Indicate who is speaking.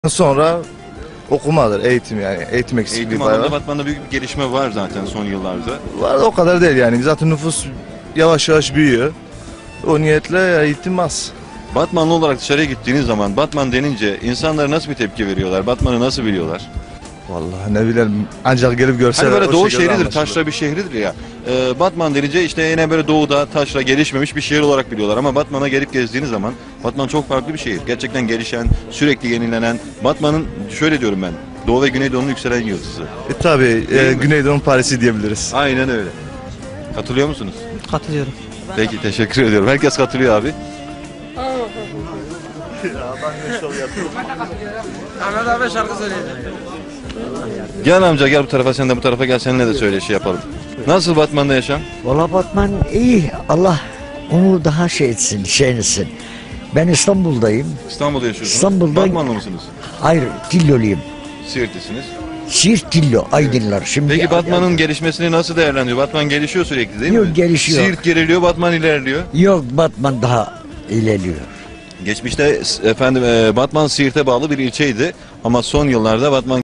Speaker 1: Sonra okumadır, eğitim yani. Eğitim eksikliği
Speaker 2: Eğitim
Speaker 1: bayağı
Speaker 2: alanında
Speaker 1: var.
Speaker 2: Batman'da büyük bir gelişme var zaten son yıllarda.
Speaker 1: Var da o kadar değil yani. Zaten nüfus yavaş yavaş büyüyor. O niyetle eğitim az.
Speaker 2: Batmanlı olarak dışarıya gittiğiniz zaman Batman denince insanlar nasıl bir tepki veriyorlar? Batman'ı nasıl biliyorlar?
Speaker 1: Vallahi ne bileyim, ancak gelip görseler
Speaker 2: Hani böyle
Speaker 1: o
Speaker 2: doğu
Speaker 1: şekilde
Speaker 2: şehridir,
Speaker 1: anlaşılır.
Speaker 2: taşra bir şehridir ya. Batman denince işte yine böyle doğuda taşra gelişmemiş bir şehir olarak biliyorlar. Ama Batman'a gelip gezdiğiniz zaman Batman çok farklı bir şehir. Gerçekten gelişen, sürekli yenilenen. Batman'ın şöyle diyorum ben, Doğu ve Güneydoğu'nun yükselen yıldızı.
Speaker 1: Tabii
Speaker 2: Değil mi?
Speaker 1: Güneydoğu'nun Paris'i diyebiliriz.
Speaker 2: Aynen öyle. Katılıyor musunuz?
Speaker 3: Katılıyorum.
Speaker 2: Peki, teşekkür ediyorum. Herkes katılıyor abi.
Speaker 3: Ahmet abi şarkı söyleyecek.
Speaker 2: Gel amca, gel bu tarafa, sen de bu tarafa gel, seninle de söyle, şey yapalım. Nasıl Batman'da yaşam?
Speaker 4: Valla Batman iyi. Allah onu daha şey etsin, şey etsin. Ben İstanbul'dayım.
Speaker 2: İstanbul'da yaşıyorsunuz.
Speaker 4: İstanbul'da-
Speaker 2: Batmanlı mısınız?
Speaker 4: Hayır, Tilloluyum.
Speaker 2: Siirtlisiniz.
Speaker 4: Siirt Tillo, Aydınlar. Şimdi
Speaker 2: Peki Batman'ın gelişmesini nasıl değerlendiriyor? Batman gelişiyor sürekli değil
Speaker 4: Yok,
Speaker 2: mi?
Speaker 4: gelişiyor.
Speaker 2: Siirt geriliyor, Batman ilerliyor.
Speaker 4: Yok, Batman daha ilerliyor.
Speaker 2: Geçmişte efendim Batman Siirt'e bağlı bir ilçeydi ama son yıllarda Batman